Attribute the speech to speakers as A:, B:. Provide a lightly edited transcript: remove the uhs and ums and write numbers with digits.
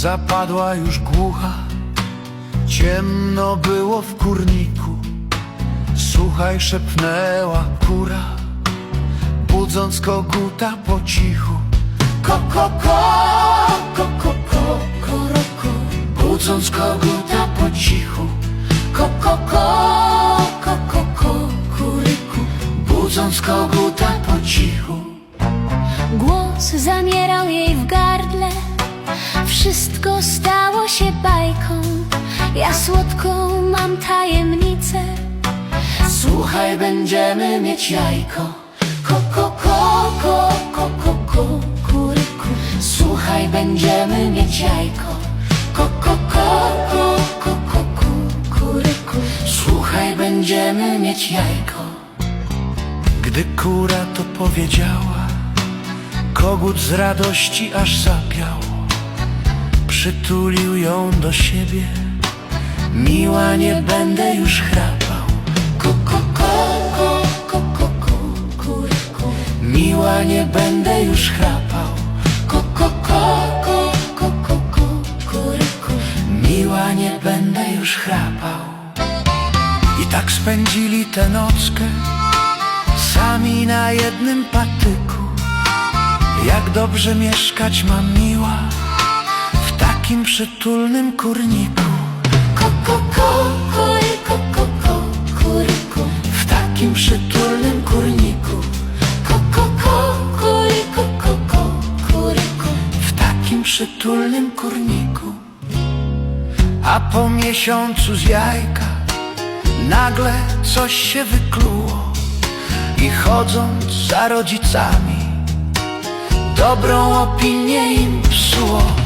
A: zapadła już głucha. Ciemno było w kurniku. Słuchaj, szepnęła kura, budząc koguta po cichu. Ko, ko, ko, ko, ko, ko, ko, ko, budząc koguta po cichu. Ko, ko, ko, ko, ko, ko, kuryku, budząc koguta po cichu.
B: Głos zamierał jej w gardle, wszystko stało się bajką. Ja słodką mam tajemnicę,
A: Słuchaj, będziemy mieć jajko. Ko, ko, ko, ko, ko, ko, ko, kuryku, słuchaj, będziemy mieć jajko. Ko, ko, ko, ko, ko, ko, ko, kuryku, słuchaj, będziemy mieć jajko. Gdy kura to powiedziała, kogut z radości aż zapiał. Przytulił ją do siebie, miła, nie będę już chrapał. Ko, ko, ko, ko, ko, ko, ko, kuryku, miła, nie będę już chrapał. Ko, ko, ko, ko, ko, ko, ko, kuryku, miła, nie będę już chrapał. I tak spędzili tę nockę, sami na jednym patyku. Jak dobrze mieszkać ma miła w takim przytulnym kurniku. Ko, ko, ko, ko, ko, ko, kuryku, w takim przytulnym kurniku. Ko, ko, ko, ko, ko, ko, kuryku, w takim przytulnym kurniku. A po miesiącu z jajka nagle coś się wykluło i chodząc za rodzicami dobrą opinię im psuło.